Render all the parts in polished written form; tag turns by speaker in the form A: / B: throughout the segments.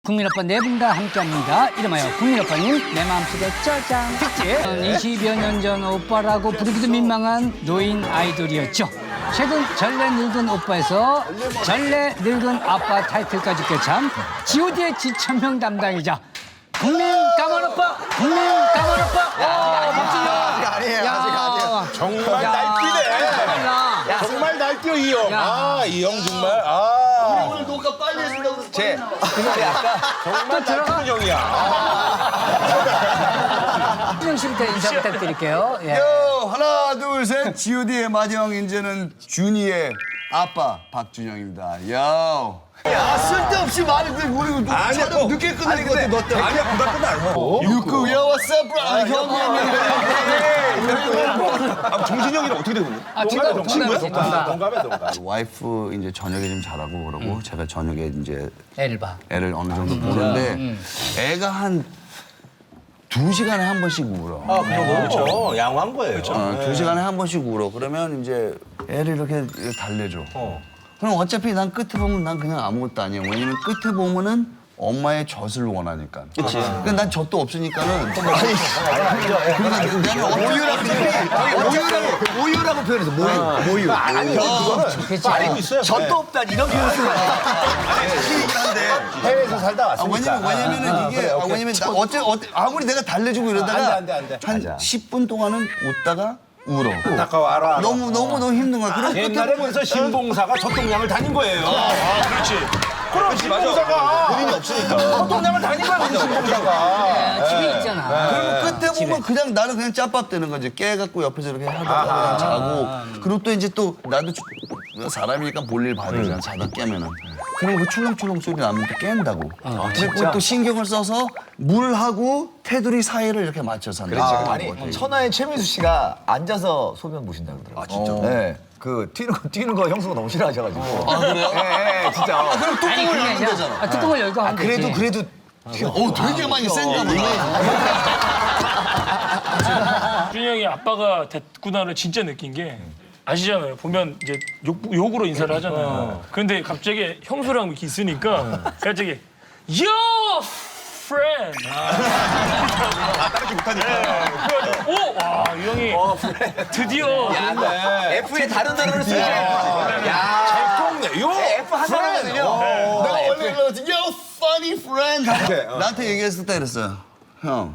A: 국민오빠 네 분과 함께합니다. 이름하여 국민오빠님 내 마음속에 짜잔 특집. 20여 년 전 오빠라고 부르기도 민망한 노인 아이돌이었죠. 최근 전래 늙은 오빠에서 전래 늙은 아빠 타이틀까지 꿰찬 G.O.D의 지천명 담당이자 국민 까만 오빠, 국민 까만 오빠.
B: 아직 아니에요.
C: 정말 날뛰네. 정말 날뛰어 이 형. 이 형 정말.
B: 오늘 녹화 빨리 해준다고 그래서
C: 정말 날뛰는 형이야.
A: 준영 씨부터 인사 부탁드릴게요. 예.
B: 하나 둘 셋 G.O.D의 마지막 인재는 준이의 아빠 박준영입니다. 쓸데없이 말을 그 우리 촬영 늦게 끝낼 것 같아 너 때문에.
C: 아니야 부담 안 하고.
B: 유쿠 야 what's up bro 형.
C: 정진이 형이랑 어떻게 되는 거야?
A: 친구야?
C: 동갑이야 동갑.
B: 와이프 이제 저녁에 좀 자라고 그러고 제가 저녁에 이제
A: 애를 봐.
B: 애를 어느 정도 보는데 애가 한 2시간에 한 번씩 울어.
C: 그렇죠. 양호한 거예요.
B: 2시간에 한 번씩 울어. 그러면 이제 애를 이렇게 달래줘. 그럼 어차피 난 끝에 보면 난 그냥 아무것도 아니야. 왜냐면 끝에 보면은 엄마의 젖을 원하니까. 그치. 그러니까 난 젖도 없으니까는. 모유라고 표현해서 모유.
C: 아니 그거는 알고 있어요.
B: 젖도 없다 이런 표현을 쓰는
C: 해외에서 살다 왔으니까.
B: 왜냐면은 이게 왜냐면 아무리 내가 달래주고 이러다가
C: 안 돼.
B: 한 10분 동안은 웃다가 울어.
C: 안타까워 알아.
B: 너무 힘든 거야. 그럼
C: 옛날에 그래서 신봉사가 젖동량을 다닌 거예요. 그렇지. 그럼 신봉사가 본인이 없으니까. 젖동량을 다닌 거야 신봉사가.
A: 집에 있잖아.
B: 그러면 끝에 보면 그냥 나는 그냥 짭밥 되는 거지. 깨갖고 옆에서 이렇게 하다가 그냥 자고. 그리고 또 이제 또 나도 사람이니까 볼일 받으잖아. 자다 깨면은. 그리고 그 출렁출렁 소리 나면 또 깬다고. 그리고 또 신경을 써서 물하고 테두리 사이를 이렇게 맞춰서 한다.
D: 아니 천하의 최민수 씨가 앉아서 소변 보신다 그러더라고요.
B: 진짜?
D: 네. 그 뛰는 거 형수가 너무 싫어하셔가지고.
B: 그래요?
D: 네, 진짜.
B: 그럼 뚜껑을 열면 되잖아.
A: 뚜껑을 열고 하면 되지.
D: 그래도
B: 되게 많이 센가 보네.
E: 준영이 아빠가 됐구나를 진짜 느낀 게 아시잖아요. 보면 이제 욕으로 인사를 하잖아요. 그런데 갑자기 형수랑 이렇게 있으니까 갑자기 Yo friend.
C: 따르지 못하니까.
E: 그래가지고 이 형이 드디어
D: F에 다른 단어를 쓰지.
C: 잘 통네. 요.
D: F 한 사람이거든요.
B: 내가 원래 그러지. Yo, funny friend. 나한테 얘기했을 때 그랬어요. 형,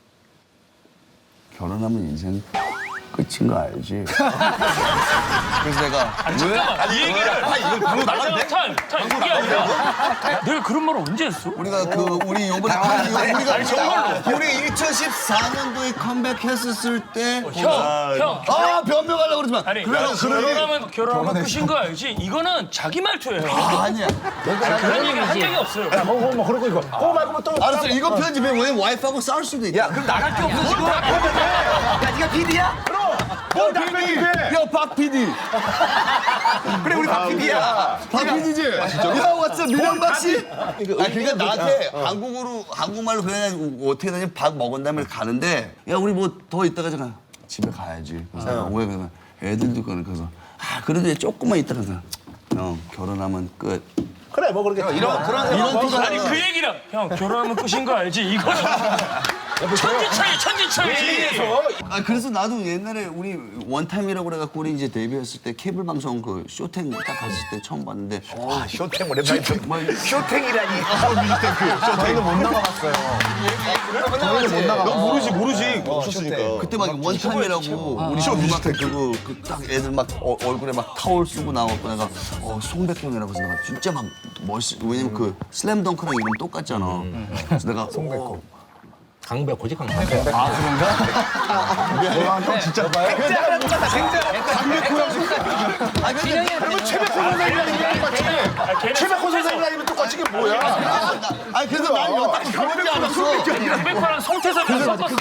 B: 결혼하면 인생 끝인 거 알지? 그래서 내가
E: 잠깐만 이 얘기를
C: 이걸 방금 나갔네.
E: 타임 이게 아니라 내가 그런 말을 언제 했어?
B: 우리가 우리 요번에 우리 2014년도에 컴백했었을 때
E: 형
B: 변명하려고 그러지만
E: 아니 결혼하면 끝인 거 알지? 이거는 자기 말투예요.
B: 아니야.
E: 그런 얘기 한 적이 없어요.
C: 뭐 그런 거 이거. 그거 말고 또.
B: 알았어, 이거 편집해. 왜냐면 와이프하고 싸울 수도 있다.
D: 그럼 나갈 게 없어 지금. 야 네가 PD야?
C: 뭘 당연히 해.
B: 야, 박 PD.
D: 그래 우리 박 PD야.
B: 박 PD지? 야, 왓츠 민영박 씨? 그러니까 나한테 한국말로 그냥 어떻게 되냐 밥 먹은 다음에 가는데 야, 우리 뭐 더 있다가 잠깐 집에 가야지. 그래서 왜 그러면 애들도 그래서 그래도 조금만 있다가 형 결혼하면 끝.
C: 그래 뭐 그렇게.
B: 이런 투가
E: 아니 그 얘기랑 형 결혼하면 끝인 거 알지? 이거는 천지 차이.
B: 그래서 나도 옛날에 우리 원타임이라고 그래갖고 우리 이제 데뷔했을 때 케이블 방송 그 쇼탱 딱 갔을 때 처음 봤는데
D: 쇼탱 오랜만에 쇼탱이라니.
C: 저희는 못 나가봤어요. 너 모르지. 없었으니까.
B: 그때 막 원타임이라고 우리 음악 그거 딱 애들 막 얼굴에 막 타올 쓰고 나왔고 내가 송백형이라고 해서 내가 진짜 막 멋있. 왜냐면 그 슬램덩크랑 이름 똑같잖아. 그래서 내가 송백형.
C: 강배 고직 강배.
B: 형 진짜
C: 최백호 선생님 아니면 똑같이 이게 뭐야?
B: 아니 그래서 난 여태 그런 줄 알았어.
E: 백호랑 송태섭이랑 섞었어.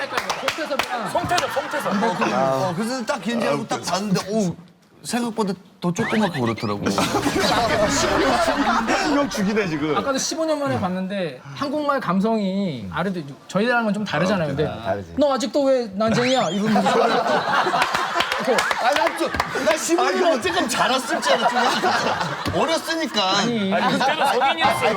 E: 송태섭.
B: 그래서 딱 견제하고 딱 봤는데 생각보다 더 조그맣고 그렇더라고.
C: 형 죽이네 지금.
F: 아까도 15년 만에 봤는데 한국말 감성이 아래도 저희랑은 좀 다르잖아요. 근데 너 아직도 왜 난쟁이야? 이러면서
B: 나 시부를 어쨌든 자랐을 줄 알았지. 어렸으니까.
E: 그때는 성인이었어요.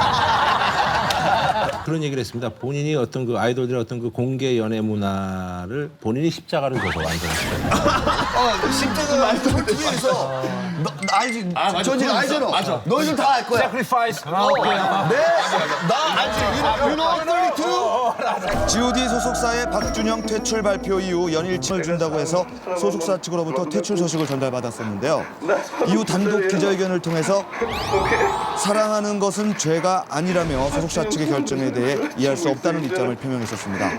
G: 그런 얘기를 했습니다. 본인이 어떤 그 아이돌들의 어떤 그 공개 연애 문화를 본인이 십자가를 줘서 완성했어요.
B: 십자가 아이돌 TV에서 너 알지? 저지 알잖아. 맞아. 너희들 다 알 거야.
D: sacrifice.
B: 네? 나 알지. You know 32?
H: G.O.D 소속사의 박준영 퇴출 발표 이후 연일침을 준다고 해서 소속사 측으로부터 퇴출 소식을 전달받았었는데요. 이후 단독 기자회견을 통해서 사랑하는 것은 죄가 아니라며 소속사 측의 결정에 대해 이해할 수 없다는 입장을 표명했었습니다.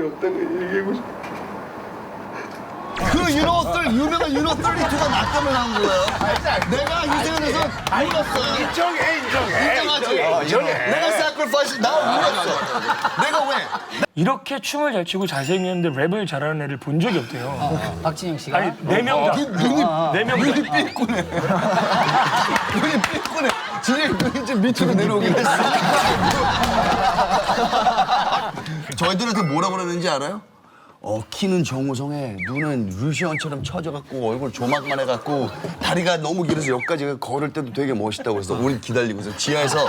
B: 그 유명한 유노 32가 나 때문에 나온 거예요. 내가 유재현에서 울었어요. 인정하지? 내가 sacrifice 나 울었어. 내가 왜?
E: 이렇게 춤을 잘 추고 잘생겼는데 랩을 잘하는 애를 본 적이 없대요.
A: 박진영 씨가.
E: 아니 4명 다.
B: 눈이 삐꾸네. 눈이 삐꾸네. 진짜 눈이 좀 밑으로 내려오긴 했어. 저희들한테 뭐라 그러는지 알아요? 키는 정우성에 눈은 류시원처럼 처져갖고 얼굴 조막만 해갖고 다리가 너무 길어서 여기까지 걸을 때도 되게 멋있다고 그래서 우리 기다리고 있어. 지하에서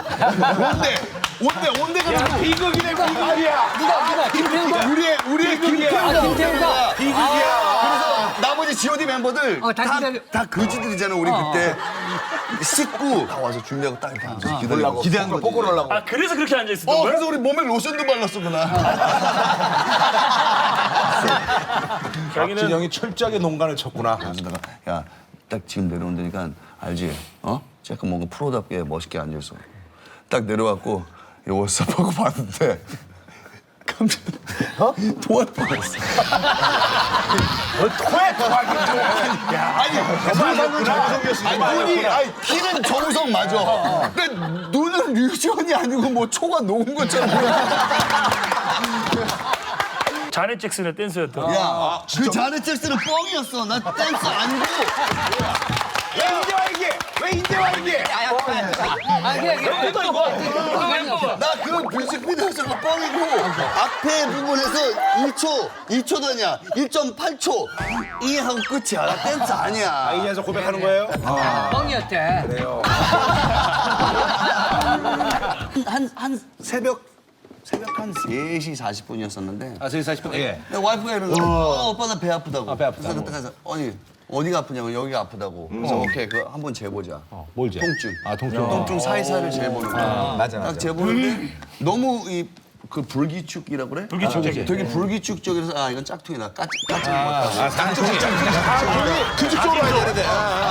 B: 온대 가지고
C: 비극이네, 비극이야.
A: 누가 김태우가?
B: 우리의 김태우가
A: 김태우가.
B: 그래서 나머지 G.O.D 멤버들
A: 다
B: 다 거지들이잖아. 우리 그때 씻고 다 와서 준비하고 딱 이렇게 앉아서 기다리고 기대한 거지.
D: 뽀뽀를 하려고.
E: 아 그래서 그렇게 앉아 있었던 거예요?
B: 그래서 우리 몸에 로션도 발랐어 그날.
E: 자기는
C: 박진영이 철저하게 농간을 쳤구나.
B: 그래서 내가 야 딱 지금 내려온다니까 알지? 잠깐 뭔가 프로답게 멋있게 앉아있어. 딱 내려왔고 이거 섭하고 봤는데 깜짝 토할 뻔했어. 아니 키는 정우성 맞아. 근데 눈은 류지원이 아니고 뭐 초가 녹은 것처럼.
E: 자넷 잭슨의 댄서였던.
B: 야, 그 자넷 잭슨은 뻥이었어. 나 댄스 아니고.
C: 왜 이제 와 이게? 왜 이제 와 이게?
B: 나 그 뮤직비디오에서가 뻥이고 앞에 부분에서 2초도 아니야. 1.8초 이 하고 끝이야. 나 댄스 아니야.
C: 이에서 고백하는 거예요?
A: 뻥이었대.
B: 한 새벽 한 3시 40분이었었는데
G: 아, 저희 40분. 예.
B: 와이프가 이러는 거야. 오빠 나 배 아프다고.
G: 배 아프다고.
B: 그래서 그때 가서 어디가 아프냐고 여기가 아프다고. 그래서 오케이 그거 한번 재보자.
G: 뭘 재?
B: 통증.
G: 통증.
B: 통증 사이사이를 재보는 거야.
D: 맞아.
B: 딱 재보는데 너무 그 불기축이라고 그래?
E: 불기축적이야.
B: 되게 불기축적이라서 이건 짝퉁이다. 까치
C: 규칙적으로 해야 되는데.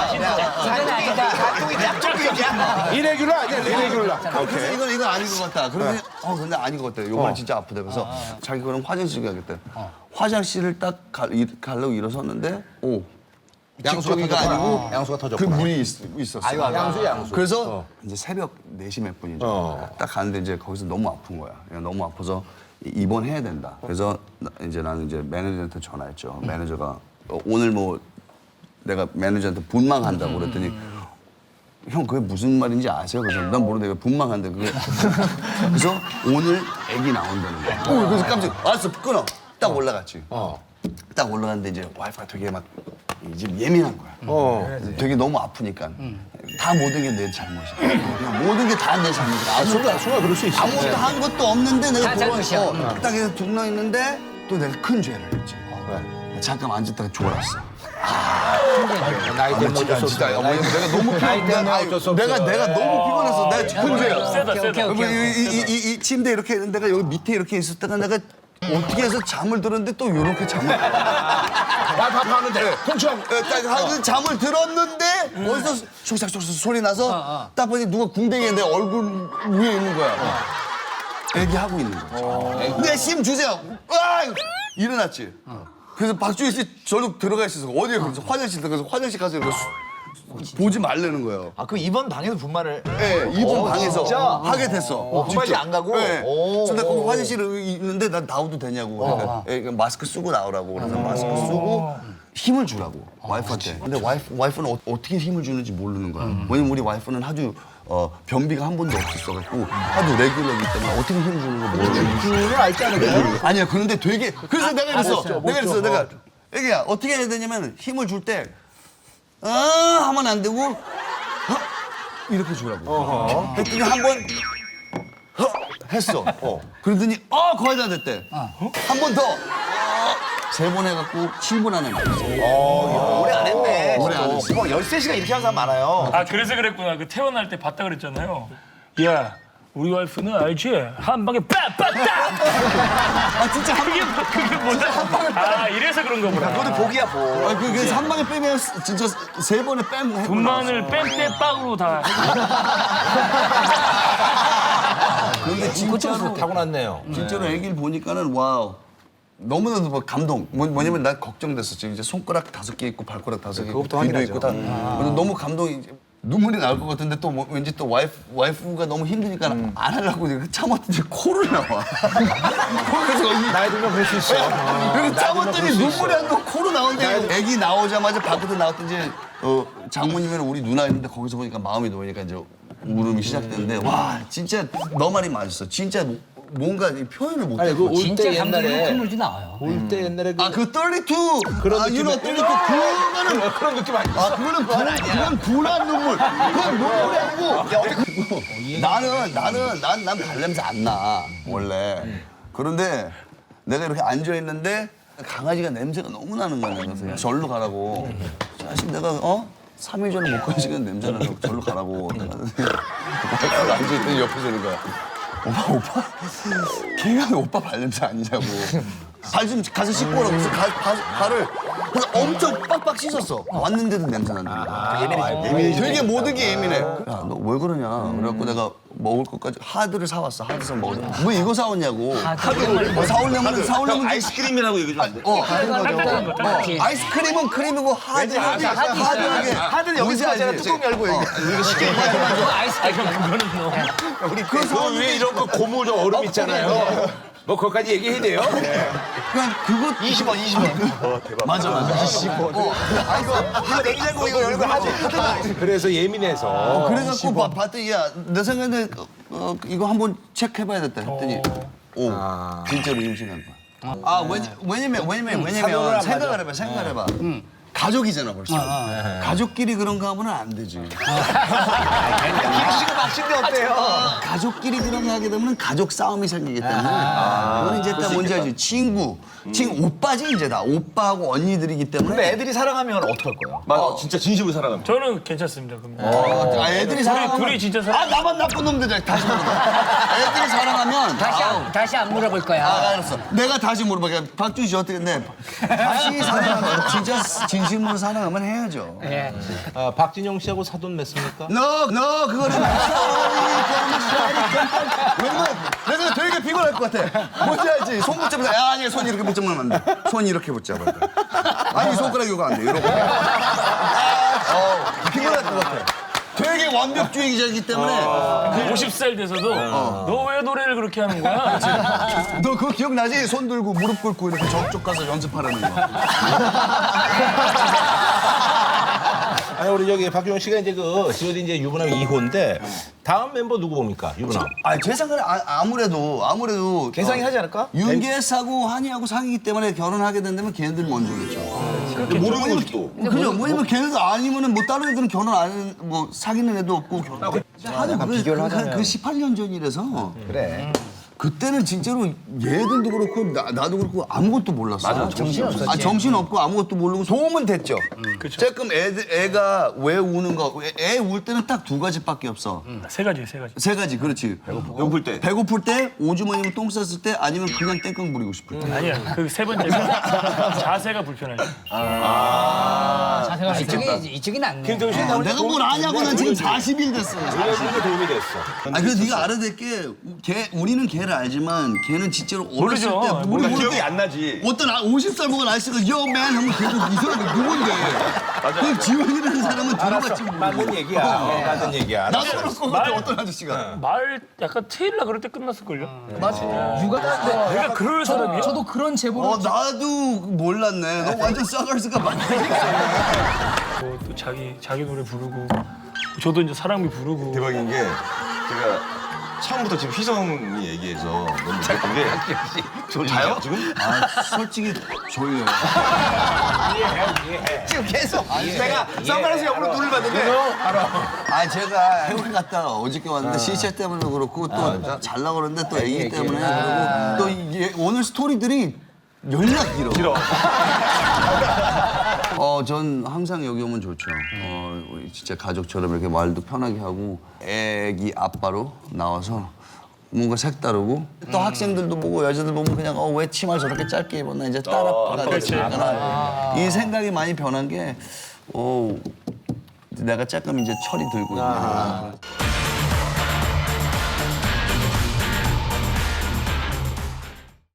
C: 이레귤러 아니야, 이레귤러.
B: 그래서 이건 아닌 것 같다. 그러더니 근데 아닌 것 같다. 요거는 진짜 아프다. 그래서 자기 그럼 화장실 가겠대. 화장실을 딱 가려고 일어섰는데
G: 양수가
B: 아니고
G: 양수가 터졌구나.
B: 그 물이 있었어.
G: 양수.
B: 그래서 이제 새벽 4시 몇 분이죠. 딱 가는데 이제 거기서 너무 아픈 거야. 그냥 너무 아파서 입원해야 된다. 그래서 이제 나는 이제 매니저한테 전화했죠. 매니저가 오늘 뭐 내가 매니저한테 분망한다고 그랬더니 형 그게 무슨 말인지 아세요? 그래서 난 모르는데 왜 분망한데 그게. 그래서 오늘 애기 나온다는 거야. 그래서 깜짝 알았어 끊어. 딱 올라갔지. 딱 올라갔는데 이제 와이프가 되게 막 이제 예민한 거야. 되게 너무 아프니까 다 모든 게 내 잘못이야. 그냥 모든 게 다 내 잘못이야.
G: 순간 그럴 수 있어.
B: 아무것도 한 것도 없는데 내가
A: 다 잘못이야.
B: 딱 해서 둥러 있는데 또 내가 큰 죄를 했지. 잠깐 앉았다가 졸았어.
G: 나이 때문에 어쩔 수 없어.
B: 내가 너무 피곤해서 내가 너무 피곤해서 내가 큰 죄야.
E: 세다.
B: 이 침대 이렇게 있는 데가 여기 밑에 이렇게 있었다가 내가 어떻게 해서 잠을 들었는데 또 이렇게 잠을
C: 하는데 통증.
B: 딱 잠을 들었는데 어디서 촉삭촉삭 소리 나서 딱 보니 누가 궁뎅이에 내 얼굴 위에 있는 거야. 애기 하고 있는 거야. 내 심 주세요. 일어났지. 그래서 박주희 씨 저녁 들어가 있어서 어디에 그래서 화장실 들어가서 화장실 가서 이렇게 보지 말라는 거예요.
D: 그 이번 방에서 분말을.
B: 네, 이분 방에서
D: 진짜?
B: 하게 됐어.
D: 분말이
B: 직접.
D: 안 가고?
B: 네.
D: 오.
B: 그래서 나 거기 화장실에 있는데 난 나와도 되냐고. 그러니까 마스크 쓰고 나오라고. 그래서 마스크 쓰고 힘을 주라고 와이프한테. 근데 와이프는 어떻게 힘을 주는지 모르는 거야. 왜냐면 우리 와이프는 아주 변비가 한 번도 없었어갖고 하도 레귤러기 때문에 어떻게 힘을 주는 거 모르겠어.
D: 그걸 알지 않을까?
B: 아니야. 그런데 되게 그래서 내가 이랬어. 내가 애기야 어떻게 해야 되냐면 힘을 줄 때 하면 안 되고 이렇게 주라고. 그랬더니 한번 했어. 그러더니 거의 다 됐대. 한 번 더. 3번 해갖고 7분 안에 나왔어.
D: 오래 안 했네.
B: 오래 안 했어.
D: 13시간 이렇게 하는 사람 많아요.
E: 아 그래서 그랬구나. 그 태어날 때 봤다 그랬잖아요. 야 우리 와이프는 알지? 한 방에 빡빡딱.
B: 진짜
E: 그게 뭐다? 아 이래서 그런 거구나.
D: 그것도 복이야, 복.
B: 그래서 한 방에 빼면 진짜 3번에 뺨 해고
E: 분만을 뺨때빵으로 다.
B: 그런데 진짜로
G: 타고났네요.
B: 진짜로 애기를 보니까는 와우. 너무나도 뭐 감동. 뭐냐면 난 걱정됐었지. 이제 손가락 5개 있고 발가락 5개 있고 귀도 있고 다. 그래서 너무 감동이 눈물이 나올 것 같은데 또 왠지 또 와이프가 너무 힘드니까 안 하려고 참았더니 코를 나와. 그래서
G: 나이 들면 그럴 수 있어.
B: 그래서 참았더니 눈물이 안 나고 코로 나오는데 애기 나오자마자 밖으로 나왔더니 이제 장모님이랑 우리 누나 있는데 거기서 보니까 마음이 놓이니까 이제 울음이 시작됐는데 와 진짜 너 말이 맞았어. 진짜 뭔가 표현을 못해.
G: 아니 그올
A: 진짜
G: 때
A: 감동이
G: 옛날에
A: 눈물도 나와요.
G: 올 때 옛날에 그
B: 그 32!
G: 그런
B: 유노 32 그거는
G: 그런 느낌 아니야?
B: 그거는 그건 분한 눈물. 그건 눈물이 아니고. 난 발냄새 안 나, 원래. 그런데 내가 이렇게 앉아있는데 강아지가 냄새가 너무 나는 거야. 그래서 절로 가라고. 사실 내가 3일 전에 못 가시는 냄새 나서 절로 가라고. 와이프가 앉아있더니 옆에서 이러는 거야. 오빠? 걔가 오빠 발냄새 아니냐고. 발 좀 가서 씻고 오라고. 그래서 발을 그래서 엄청 빡빡 씻었어. 왔는데도 냄새 난다는 거야. 예민해. 되게 모든 게 예민해. 야, 너 왜 그러냐. 그래갖고 내가 먹을 것까지 하드를 사왔어. 하드서 먹으려. 뭐 이거 사왔냐고. 하드 사오려면
C: 아이스크림이라고 얘기 좀 안 돼.
B: 아이스크림은 크림이고 하드하게.
D: 하드는 여기서 하잖아. 뚜껑 열고 얘기.
B: 이거 쉽게
G: 그 위에 이런 거 고무 저 얼음 있잖아요. 뭐 그것까지 얘기해야 돼요?
B: 그냥 그거
D: 20원. 대박.
B: 맞아.
D: 이거 냉장고 이거 열고 하지.
G: 그래서 예민해서.
B: 그래갖고 봤더니 내 생각에 이거 한번 체크해봐야겠다 했더니 진짜로 임신한 거야. 왜냐면 생각을 해봐. 가족이잖아 벌써. 가족끼리 그런 거 하면 안 되지.
D: 김씨가 막신데 어때요?
B: 가족끼리 그런 거 하게 되면 가족 싸움이 생기기 때문에 그건 이제 딱 뭔지 알지? 친구 오빠지 이제 다 오빠하고 언니들이기 때문에.
D: 근데 애들이 사랑하면 어떡할 거야?
C: 맞아, 진짜 진심으로 사랑합니다.
E: 저는 괜찮습니다. 그럼.
B: 애들이 사랑하면
E: 둘이 진짜 사랑.
B: 나만 나쁜 놈들 다시 물어봐. 애들이 사랑하면
A: 다시 안 물어볼 거야.
B: 알았어. 내가 다시 물어봐. 박준 씨 어떻게 돼? 다시 사랑하면 진짜 진심으로 사랑하면 해야죠.
A: 예.
G: 박진영 씨하고 사돈 맺습니까?
B: 너 그거는 내가 되게 피곤할 것 같아. 뭔지 알지? 손 붙잡으면 아니 손 이렇게 붙잡으면 안 돼. 손 이렇게 붙잡아야 돼. 아니 손가락 이거 안 돼. 이러고. 피곤할 것 같아. 되게 완벽주의자이기 때문에
E: 50살 돼서도 너 왜 노래를 그렇게 하는 거야?
B: 너 그거 기억나지? 손 들고 무릎 꿇고 이렇게 저쪽 가서 연습하라는 거.
G: 아니 우리 저기 박준영 씨가 이제 그 G.O.D 이제 유부남 2호인데 다음 mem버 누구 봅니까? 유부남.
B: 제 생각에 아무래도
D: 개성이 하지 않을까?
B: 윤계사고 한이하고 사귀기 때문에 결혼하게 된다면 걔네들 먼저겠죠.
C: 모르는 거지 또.
B: 그죠? 뭐냐면 걔네들 아니면은 뭐 다른 애들은 결혼 안 뭐 사귀는 애도 없고 결혼.
D: 비교를 하자면.
B: 그 18년 전이라서
D: 그래.
B: 그때는 진짜로 얘들도 그렇고 나도 그렇고 아무것도 몰랐어. 맞아,
A: 정신 없었지.
B: 정신 없고 아무것도 모르고 도움은 됐죠. 조금 애가 왜 우는 거, 애 울 때는 딱 2가지밖에 없어.
E: 세 가지, 세 가지.
B: 3가지, 그렇지. 배고플 때, 오줌마니면 똥 쌌을 때, 아니면 그냥 땡깡 부리고 싶을 때.
E: 아니야. 그 세 번째가 자세가 불편할 때.
A: 이쪽이 낫네.
G: 김태훈 씨
B: 내가 뭘 아냐고 난 지금 40일 됐어.
G: 우리가 도움이 됐어.
B: 그래서 네가 알아야 될 게 우리는 걔를 알지만 걔는 진짜로 어렸을
E: 모르죠.
B: 때 우리 모를
C: 기억이
B: 때
C: 안 나지.
B: 어떤 50살 먹은 아저씨가 요맨 하면 걔도 이 사람이 누군데. 그 지원이라는 사람은 들어봤지 뭐.
G: 맞는 얘기야. 맞는 얘기야.
B: 나도 그렇고 어떤 아저씨가.
E: 말 약간 트일라 그럴 때 끝났을걸요?
F: 맞아. 육아
E: 내가 그럴 사람이야?
F: 저도 그런 제보를
B: 나도 몰랐네. 너 완전 싸가지가 많네.
E: 또 자기 노래 부르고 저도 이제 사랑비 부르고
C: 대박인 게 제가 처음부터 지금 휘성이 얘기해서 너무 웃겼던 게 자요 지금?
B: 아, 솔직히 졸려요.
C: 지금 계속 내가 선글라스 옆으로 눈을 봤는데
B: 아, 제가 해외 갔다가 어저께 왔는데 시체 때문에 그렇고 또 잘나 그러는데 또 애기 때문에 그러고 또 이게 오늘 스토리들이 연락 길어. 전 항상 여기 오면 좋죠. 진짜 가족처럼 이렇게 말도 편하게 하고 애기 아빠로 나와서 뭔가 색다르고 또 학생들도 보고 여자들 보면 그냥 왜 치마를 저렇게 짧게 입었나 이제 딸아빠가 됐으니까 이 생각이 많이 변한 게 내가 조금 이제 철이 들고 있는